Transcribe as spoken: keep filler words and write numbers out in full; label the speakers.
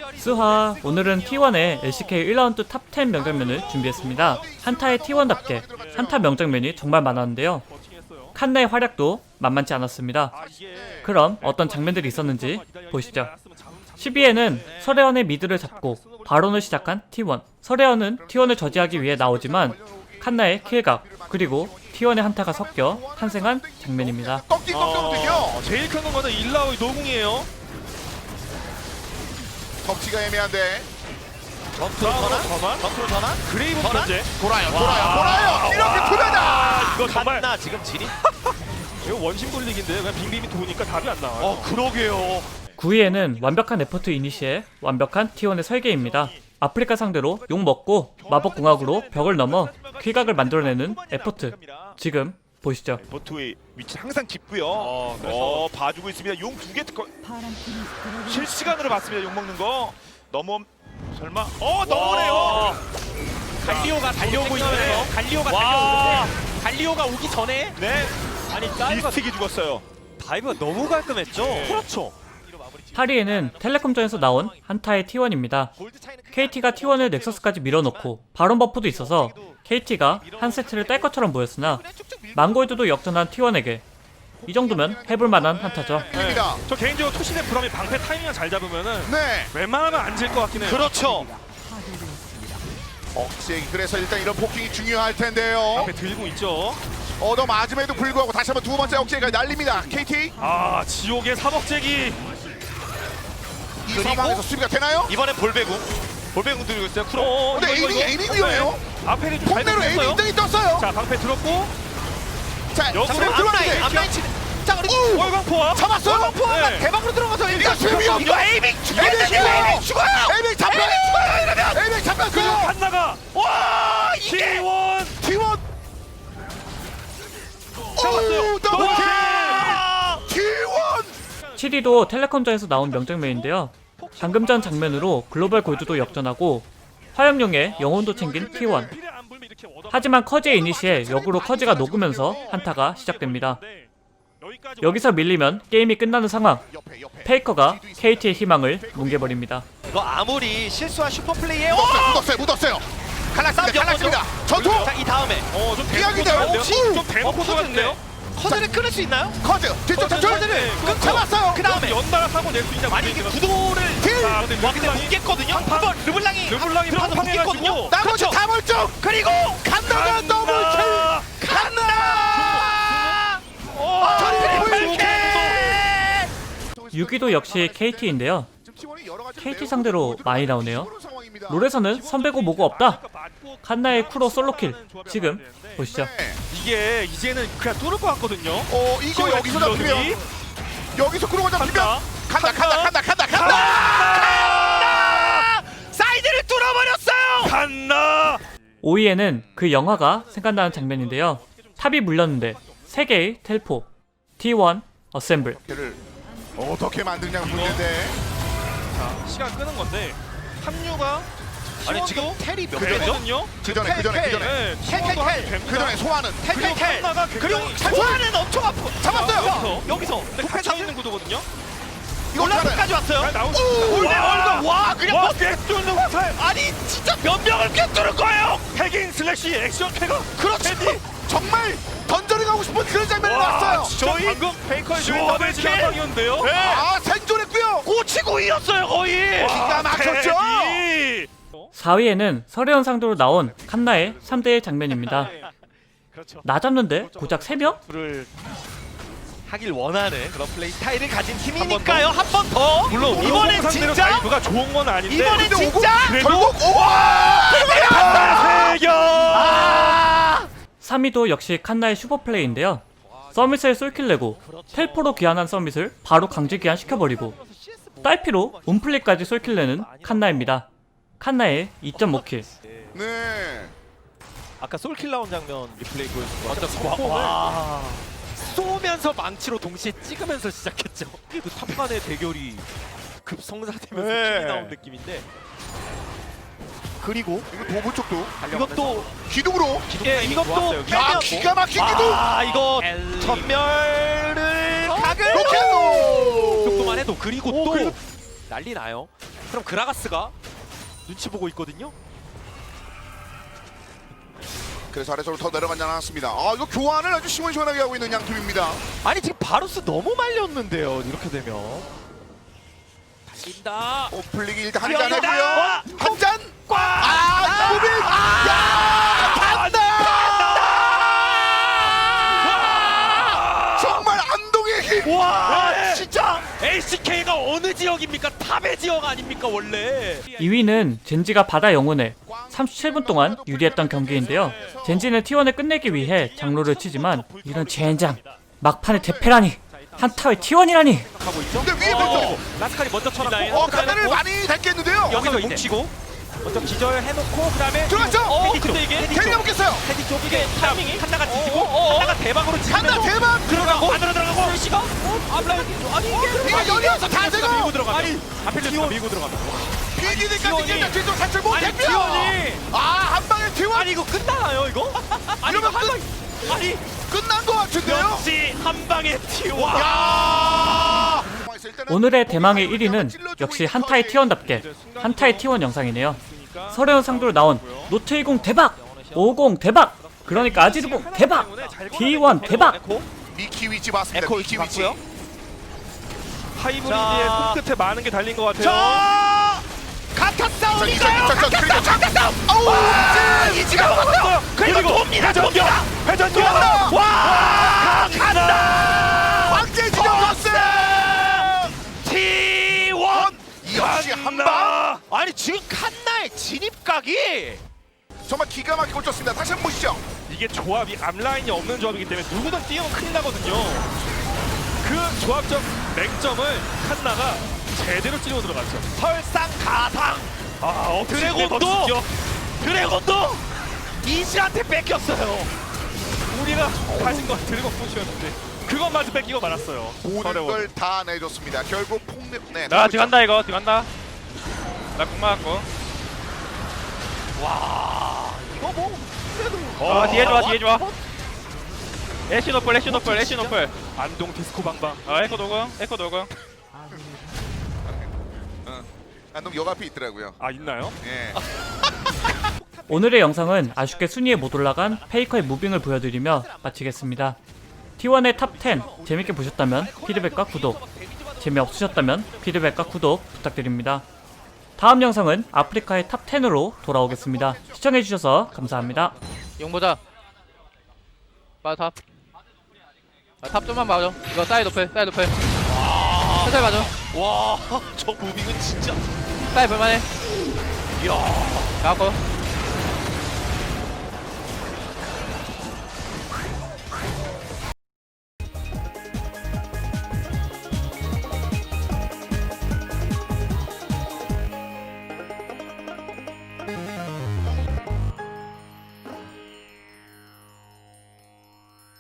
Speaker 1: 수하, 오늘은 티원의 엘씨케이 일 라운드 탑 텐 명장면을 준비했습니다. 한타의 티원답게 한타 명장면이 정말 많았는데요. 칸나의 활약도 만만치 않았습니다. 그럼 어떤 장면들이 있었는지 보시죠. 십이 회에는 서래원의 미드를 잡고 바론을 시작한 티원. 서래원은 티원을 저지하기 위해 나오지만 칸나의 킬각 그리고 티원의 한타가 섞여 탄생한 장면입니다.
Speaker 2: 꺾기 꺾거든요.
Speaker 3: 어, 제일 큰 거는 일라오의 노궁이에요.
Speaker 2: 덩치가 애매한데.
Speaker 3: 전투로 전환? 전투로 전환? 그레이브
Speaker 2: 전환?
Speaker 3: 현재
Speaker 2: 돌아요, 돌아요, 돌아요. 이렇게 투배다.
Speaker 3: 이거 정말
Speaker 4: 나 지금 진입?
Speaker 3: 이거 원심 돌리기인데 그냥 빙빙이 도니까 답이 안 나와요.
Speaker 2: 어, 그러게요.
Speaker 1: 구 회에는 완벽한 에포트 이니시에 완벽한 티원의 설계입니다. 아프리카 상대로 욕 먹고 마법궁합으로 벽을 넘어 킬각을 만들어내는 에포트. 지금 보시죠.
Speaker 4: 보트의 위치 항상 깊고요.
Speaker 3: 어, 그래서
Speaker 4: 어, 봐주고 있습니다. 용 두 개 특허 실시간으로 봤습니다. 용 먹는 거 넘어 설마? 어 넘어네요.
Speaker 5: 갈리오가 달려오고 있어요. 갈리오가
Speaker 3: 와.
Speaker 5: 달려오는데 갈리오가 오기 전에
Speaker 4: 네.
Speaker 5: 아니 다이브가
Speaker 4: 미스틱이 죽었어요.
Speaker 5: 다이브가 너무 깔끔했죠. 그렇죠.
Speaker 1: 팔 회에는 텔레콤전에서 나온 한타의 티원입니다. 케이티가 티원을 넥서스까지 밀어놓고 바론 버프도 있어서 케이티가 한 세트를 딸 것처럼 보였으나 망골드도 역전한 티원에게 이 정도면 해볼만한 한타죠.
Speaker 2: 입니다.
Speaker 3: 저 개인적으로 투신의 브럼이 방패 타이밍을 잘 잡으면은
Speaker 2: 네.
Speaker 3: 웬만하면 안 질 것 같긴 해요.
Speaker 4: 그렇죠.
Speaker 2: 억제. 그래서 일단 이런 포킹이 중요할 텐데요.
Speaker 3: 방패 들고 있죠.
Speaker 2: 얻어 맞음에도 불구하고 다시 한번 두 번째 억제가 날립니다. 케이티.
Speaker 3: 아 지옥의 사먹재기.
Speaker 2: 이 상황에서 수비가 되나요?
Speaker 4: 이번엔 볼배궁. 볼배궁 들고 있어요. 쿠로.
Speaker 3: 어,
Speaker 2: 근데
Speaker 3: 이거,
Speaker 2: 에이밍
Speaker 3: 이거,
Speaker 2: 에이밍
Speaker 3: 이거.
Speaker 2: 위험해요.
Speaker 3: 앞에는 좀
Speaker 2: 폭내로 에이밍
Speaker 3: 잘했어요.
Speaker 2: 인정이 떴어요.
Speaker 3: 자 방패 들었고
Speaker 2: 자,
Speaker 3: 역으로
Speaker 2: 지금
Speaker 3: 앞라인,
Speaker 2: 들어왔는데
Speaker 5: 앞라인 치는. 자 그리고
Speaker 2: 오!
Speaker 3: 월광포와
Speaker 2: 잡았어요.
Speaker 5: 포화가
Speaker 3: 네.
Speaker 5: 대박으로 들어가서
Speaker 2: 이거 수비요.
Speaker 5: 이거 에이밍 죽여야
Speaker 2: 에이밍
Speaker 5: 돼. 에이밍 죽어요.
Speaker 2: 에이밍 잡혀. 죽어요 이러면. 에이밍 잡혔고요.
Speaker 3: 한나가
Speaker 5: 와 이게
Speaker 3: 티원
Speaker 2: 티원.
Speaker 3: 잡았어요.
Speaker 2: 오, 더블 킬. 티원.
Speaker 1: 칠 위도 텔레콤전에서 나온 명장면인데요. 방금 전 장면으로 글로벌 골드도 역전하고 화염룡의 영혼도 챙긴 티원. 하지만 커지의 이니시에 역으로 커지가 녹으면서 한타가 시작됩니다. 여기서 밀리면 게임이 끝나는 상황.
Speaker 2: 옆에 옆에.
Speaker 1: 페이커가 케이티의 희망을 뭉개버립니다.
Speaker 5: 이거 아무리 실수한 슈퍼 플레이에
Speaker 2: 묻었어요. 묻었어요. 묻었어요. 갈랐습니다. 갈랐습니다. 전투.
Speaker 5: 자이 다음에
Speaker 3: 어좀
Speaker 2: 이야기돼요.
Speaker 3: 좀 대놓고 들어갔는데요.
Speaker 5: 커즈를 끊을 수 있나요?
Speaker 2: 커즈. 뒤쪽 전출.
Speaker 5: 커즈를 끊고
Speaker 2: 잡았어요.
Speaker 5: 그 다음에
Speaker 3: 연달아 사고 낼 수 있냐
Speaker 5: 아니 이게 구도를
Speaker 2: 딜.
Speaker 3: 아 근데
Speaker 5: 와 근데 뭉갰거든요. 한번 르블랑이
Speaker 3: 르블랑이
Speaker 5: 들어가서
Speaker 3: 팡팡해가지고
Speaker 5: 뭉갰거든요.
Speaker 2: 나머지
Speaker 5: 그렇죠.
Speaker 2: 다 멀쩡.
Speaker 5: 그리고
Speaker 2: 간다가 더블 킬. 간다. 트리플 킬.
Speaker 1: 육 위도 역시 케이티인데요. 케이티 상대로 많이 나오네요. 롤에서는 선배고 뭐고 없다. 칸나의 쿠로 솔로킬. 지금 보시죠.
Speaker 3: 이게 이제는 그냥 뚫을 것 같거든요.
Speaker 2: 어 이거 여기서 잡히면 여기서 구로가 잡히면
Speaker 3: 간다.
Speaker 2: 간다 간다 간다 간다 간다.
Speaker 5: 사이드를 뚫어버렸어요.
Speaker 3: 간나.
Speaker 1: 오 위에는 그 영화가 생각나는 장면인데요. 탑이 물렸는데 세 개의 텔포. 티원 어셈블.
Speaker 2: 를 어떻게 만드냐가 문제인데.
Speaker 3: 시간 끄는 건데 합류가
Speaker 5: 아니 지금 텔이 몇 개죠?
Speaker 3: 되거든요.
Speaker 2: 그 전에 그 전에 그 전에
Speaker 3: 네,
Speaker 5: 텔, 텔, 텔.
Speaker 2: 그 전에 소환은
Speaker 5: 텔텔텔. 그리고
Speaker 3: 그리고
Speaker 5: 소환은 엄청 아프.
Speaker 2: 잡았어요.
Speaker 5: 여기서 여기서
Speaker 3: 폭탄 잡는 구도거든요.
Speaker 2: 이거
Speaker 5: 올라프까지 왔어요.
Speaker 3: 잘 나오고
Speaker 5: 올대 얼굴 와 그냥
Speaker 3: 와
Speaker 5: 뭐
Speaker 3: 꿰뚫는 화살.
Speaker 5: 아니 진짜 몇 명을 꿰뚫을 거예요.
Speaker 3: 핵인 슬래시 액션 패가
Speaker 2: 그렇지. 정말 던전에 가고 싶은 그런 장면이 나왔어요.
Speaker 3: 저희 방금 페이커의 시원해진 한방이었는데요.
Speaker 2: 아 생존했고요.
Speaker 5: 고치고이였어요 거의.
Speaker 2: 기가 막혔죠.
Speaker 1: 사 위에는 서래원 상도로 나온 칸나의 삼 대의 장면입니다.
Speaker 3: 그렇죠.
Speaker 1: 나 잡는데 고작 세 명?
Speaker 5: 를 하길 원하는 그런 플레이 스타일을 가진 팀이니까요. 한 번 더.
Speaker 3: 물론
Speaker 5: 이번엔
Speaker 3: 상대로
Speaker 5: 진짜
Speaker 3: 다이브가 좋은 건 아닌데.
Speaker 5: 이번엔
Speaker 2: 근데 오고
Speaker 5: 진짜
Speaker 3: 그래도
Speaker 2: 결국 오와.
Speaker 3: 세경.
Speaker 5: 아!
Speaker 1: 삼 위도 역시 칸나의 슈퍼플레이인데요. 서밋을 쏠킬 내고 텔포로 귀환한 서밋을 바로 강제 귀환 시켜버리고 딸피로 움플리까지 쏠킬 내는 칸나입니다. 칸나의 이 점 오 킬.
Speaker 2: 네.
Speaker 5: 아까 솔킬 나온 장면 리플레이 보여주고 와, 와. 쏘면서 망치로 동시에 찍으면서 시작했죠. 그 탑간의 대결이 급성사되면서
Speaker 2: 네.
Speaker 5: 킬이 나온 느낌인데
Speaker 2: 그리고 이거 도부 쪽도
Speaker 5: 이것도
Speaker 2: 기둥으로.
Speaker 5: 예, 이것도
Speaker 2: 야
Speaker 5: 빼면
Speaker 2: 기가 막힌 기둥.
Speaker 5: 아 이거 전멸을 각을
Speaker 2: 로켓.
Speaker 5: 정도만 해도 그리고 또
Speaker 3: 그리고-
Speaker 5: 난리 나요. 그럼 그라가스가 눈치 보고 있거든요.
Speaker 2: 그래서 아래쪽으로 더 내려가지 않았습니다. 아 이거 교환을 아주 시원시원하게 하고 있는 양 팀입니다.
Speaker 5: 아니 지금 바루스 너무 말렸는데요. 이렇게 되면 달린다.
Speaker 2: 오플릭이 일단 한
Speaker 5: 뛰어간다.
Speaker 2: 잔 했고요. 한 잔. 아 무빙. 야 간다. 정말 안동의 힘.
Speaker 5: 와
Speaker 3: 네.
Speaker 5: 진짜 엘씨케이가 어느 지역입니까? 탑의 지역 아닙니까 원래?
Speaker 1: 이 위는 젠지가 바다 영혼을 삼십칠 분 동안 유리했던 경기인데요. 젠지는 티원을 끝내기 위해 장로를 치지만 이런 젠장 막판에 대패라니 한타의 티원이라니.
Speaker 5: 하고 있죠.
Speaker 2: 근데 위에
Speaker 5: 어,
Speaker 2: 펼쳐.
Speaker 5: 라스칼이 먼저 쳐놨고
Speaker 2: 어 카드를 많이 댔겠는데요.
Speaker 5: 여기서 뭉치고 먼저 기절해놓고 그다음에
Speaker 2: 들어갔죠?
Speaker 5: 어,
Speaker 2: 헤디 쪽.
Speaker 5: 근데 이게 헤디
Speaker 2: 테리
Speaker 5: 쪽.
Speaker 2: 먹겠어요.
Speaker 5: 헤디 쪽 이게 타이밍이 한나가 뒤지고 한나가 대박으로
Speaker 2: 간다
Speaker 5: 치면서
Speaker 2: 대박.
Speaker 5: 들어가고 안으로 들어가고 시가 어? 아블라 아니 이게
Speaker 2: 이게 연이어서 다 되고.
Speaker 5: 밀고 들어가면 아니 아펠레스가 밀고 들어가면
Speaker 2: 비기니까지
Speaker 5: 티원이.
Speaker 2: 일단 뒤쪽 살짝 못
Speaker 5: 아니
Speaker 2: 대표.
Speaker 5: 티원이
Speaker 2: 아한 방에 티원.
Speaker 5: 아니 이거 끝나나요 이거? 아니 이거
Speaker 2: 이러면
Speaker 5: 한 방 아니
Speaker 2: 끝난 것 같은데요.
Speaker 5: 역시 한 방에 티원
Speaker 2: 야.
Speaker 1: 오늘의 대망의 일 위는 역시 한타의 티원답게 한타의 티원 영상이네요. 서려운 상도로 나온 노트이공 대박! 오공 대박! 그러니까 아지르공 대박! 디원 대박!
Speaker 2: 미키 위치 봤습니다.
Speaker 5: 에코
Speaker 2: 미키
Speaker 5: 위치
Speaker 2: 위치.
Speaker 5: 봤고요.
Speaker 3: 하이브리드의
Speaker 5: 자.
Speaker 3: 손끝에 많은 게 달린 것 같아요.
Speaker 5: 자
Speaker 2: 자,
Speaker 5: 가타
Speaker 2: 이자,
Speaker 5: 싸움인가요?
Speaker 2: 이자, 이자,
Speaker 5: 가타 싸움 가타 싸움
Speaker 2: 아우,
Speaker 5: 이 지가 왔어요. 그리고 돕니다 돕니다
Speaker 2: 회전격.
Speaker 5: 와 간다
Speaker 2: 황제 진영 터스.
Speaker 5: 티원
Speaker 2: 역시 한 방.
Speaker 5: 아니 지금 칸나의 진입각이
Speaker 2: 정말 기가 막히게 꽂혔습니다. 다시 한번 보시죠.
Speaker 3: 이게 조합이 앞라인이 없는 조합이기 때문에 누구든 뛰어면 큰일 나거든요. 그 조합적 맹점을 칸나가 제대로 찌르고 들어갔죠.
Speaker 5: 설상 가상
Speaker 3: 아, 어떻게
Speaker 5: 드래곤도!
Speaker 3: 더
Speaker 5: 드래곤도 이지한테 뺏겼어요.
Speaker 3: 우리가 가진 건 드래곤 부시였는데 그것마저 뺏기고 말았어요.
Speaker 2: 모든
Speaker 3: 어려워.
Speaker 2: 걸 다 내줬습니다. 결국 폭력. 네.
Speaker 3: 나 들어간다 이거 들어간다. 나공 맞았고.
Speaker 5: 와 이거 뭐
Speaker 3: 어 뒤에 좋아 뒤에 좋아. 애쉬 노플 애쉬 노플 애쉬 노플. 안동 디스코 방방. 아 에코 도공 에코 도공.
Speaker 2: 안동 역 앞에 있더라고요.
Speaker 3: 아 있나요?
Speaker 2: 예.
Speaker 1: 오늘의 영상은 아쉽게 순위에 못 올라간 페이커의 무빙을 보여드리며 마치겠습니다. 티원의 탑 텐 재밌게 보셨다면 피드백과 구독, 재미없으셨다면 피드백과 구독 부탁드립니다. 다음 영상은 아프리카의 탑 텐으로 돌아오겠습니다. 시청해주셔서 감사합니다.
Speaker 6: 용 보자. 빠져 탑. 아, 탑 좀만 봐줘. 이거 사이드 오플, 사이드 오플. 천천히 봐줘.
Speaker 5: 와저 무빙은 진짜
Speaker 6: 사이드 볼만해.
Speaker 5: 이야
Speaker 6: 가고.